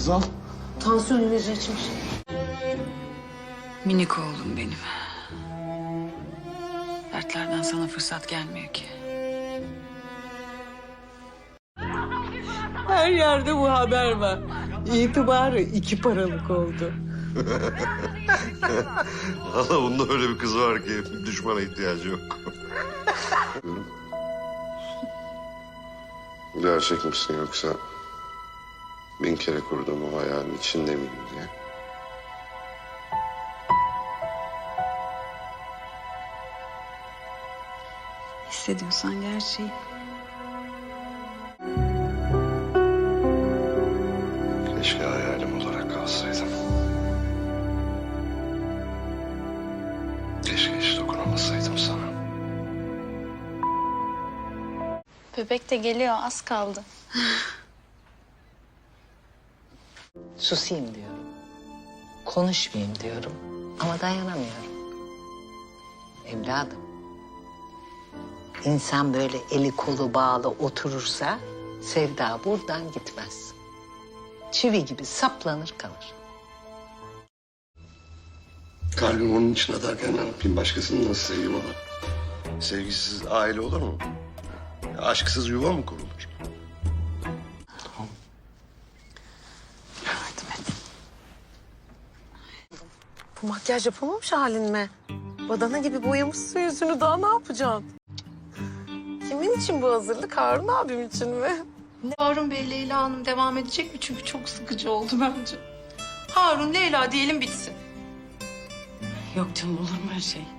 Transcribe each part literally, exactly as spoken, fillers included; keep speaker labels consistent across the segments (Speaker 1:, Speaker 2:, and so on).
Speaker 1: Hazal.
Speaker 2: Tansiyon ilacı içmiş.
Speaker 3: Minik oğlum benim. Dertlerden sana fırsat gelmiyor ki.
Speaker 2: Her yerde bu haber var. İtibarı iki paralık oldu.
Speaker 4: Valla bunda öyle bir kız var ki düşmana ihtiyacı yok. Gerçek misin yoksa bin kere kurduğum o hayalin içinde miyim diye?
Speaker 3: Hissediyorsan gerçeği.
Speaker 4: Keşke hayalim olarak kalsaydım. Keşke hiç dokunamasaydım sana.
Speaker 5: Bebek de geliyor, az kaldı.
Speaker 2: Susayım diyorum. Konuşmayayım diyorum. Ama dayanamıyorum. Evladım. İnsan böyle eli kolu bağlı oturursa sevda buradan gitmez. Çivi gibi saplanır kalır.
Speaker 4: Kalbim onun için atarken ne yapayım? Başkasını nasıl seveyim ona? Sevgisiz aile olur mu? Aşksız yuva mı kurulur?
Speaker 3: Yardım et.
Speaker 6: Bu makyaj yapamamış halin mi? Badana gibi boyamışsın yüzünü, daha ne yapacaksın? Kimin için bu hazırlık? Harun abim için mi?
Speaker 7: Harun Bey, Leyla Hanım devam edecek mi? Çünkü çok sıkıcı oldu bence. Harun, Leyla diyelim bitsin.
Speaker 3: Yok canım, olur mu öyle şey?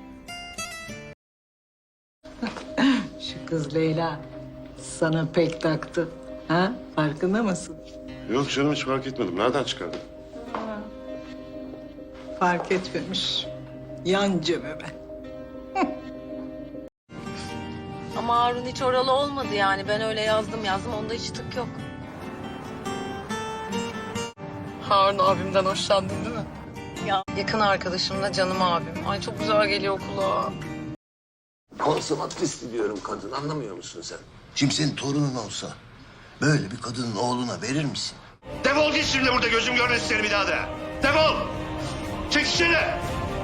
Speaker 2: Şu kız Leyla sana pek taktı. Ha? Farkında mısın?
Speaker 4: Yok canım hiç fark etmedim. Nereden çıkardın?
Speaker 2: Fark etmemiş. Yan cebime.
Speaker 6: Ama Harun hiç oralı olmadı yani. Ben öyle yazdım yazdım, onda hiç tık yok. Harun abimden hoşlandın değil mi? Ya yakın arkadaşım da canım abim. Ay çok güzel geliyor kulağa.
Speaker 8: Konsomatrist diyorum kadın, anlamıyor musun sen? Şimdi senin torunun olsa böyle bir kadının oğluna verir misin?
Speaker 4: Defol git şimdi burada gözüm görmesin seni bir daha da. Defol! Çek içeri!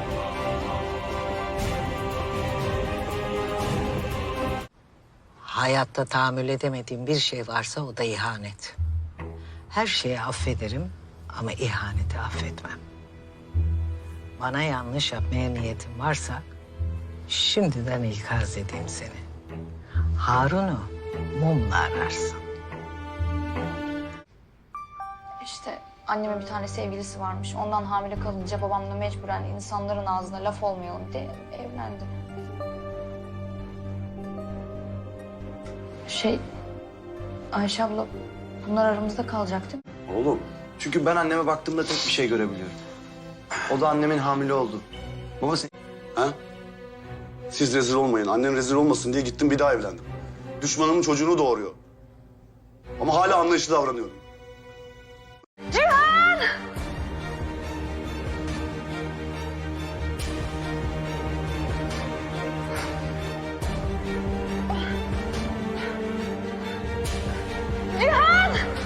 Speaker 2: Hayatta tahammül edemediğim bir şey varsa o da ihanet. Her şeyi affederim ama ihaneti affetmem. Bana yanlış yapmaya niyetin varsa şimdiden ikaz edeyim seni. Harun'u mumla ararsın.
Speaker 5: İşte annemin bir tane sevgilisi varmış. Ondan hamile kalınca babamla mecburen insanların ağzına laf olmayalım diye evlendi. Şey, Ayşe abla bunlar aramızda kalacak değil mi?
Speaker 9: Oğlum, çünkü ben anneme baktığımda tek bir şey görebiliyorum. O da annemin hamile oldu. Baba sen...
Speaker 4: Ha? Siz rezil olmayın. Annen rezil olmasın diye gittim bir daha evlendim. Düşmanımın çocuğunu doğuruyor. Ama hala anlayışlı davranıyorum.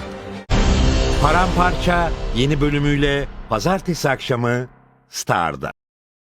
Speaker 10: Paramparça yeni bölümüyle pazartesi akşamı Star'da.